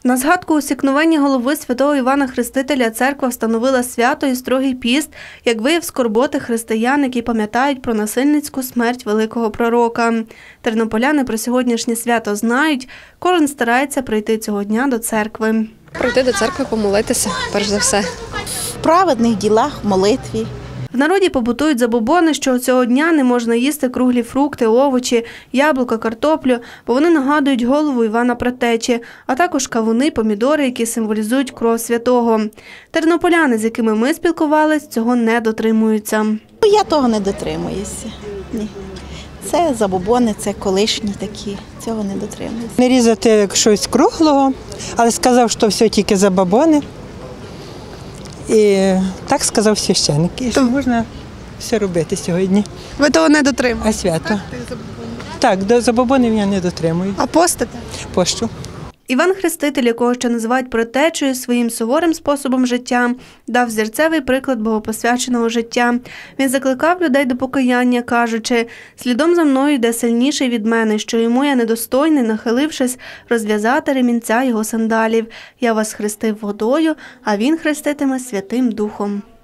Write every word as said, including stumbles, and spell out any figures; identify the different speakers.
Speaker 1: На згадку усікновення голови святого Івана Хрестителя церква встановила свято і строгий піст, як вияв скорботи християн, які пам'ятають про насильницьку смерть великого пророка. Тернополяни про сьогоднішнє свято знають, кожен старається прийти цього дня до церкви.
Speaker 2: Прийти до церкви, помолитися, перш за все.
Speaker 3: В праведних ділах, в молитві.
Speaker 1: В народі побутують забобони, що цього дня не можна їсти круглі фрукти, овочі, яблука, картоплю, бо вони нагадують голову Івана Предтечі, а також кавуни, помідори, які символізують кров святого. Тернополяни, з якими ми спілкувались, цього не дотримуються.
Speaker 3: Я того не дотримуюся. Ні. Це забобони, це колишні такі, цього не дотримуюся.
Speaker 4: Не різати щось круглого, але сказав, що все тільки забобони. І так сказав священник, і що можна все робити сьогодні.
Speaker 1: Ви того не дотримуєте?
Speaker 4: А свято? Так, до забобонів я не дотримую.
Speaker 1: А постите?
Speaker 4: Пощу.
Speaker 1: Іван Хреститель, якого ще називають предтечею, своїм суворим способом життя, дав зірцевий приклад богопосвяченого життя. Він закликав людей до покаяння, кажучи: «Слідом за мною йде сильніший від мене, що йому я недостойний, нахилившись, розв'язати ремінця його сандалів. Я вас хрестив водою, а він хреститиме Святим Духом».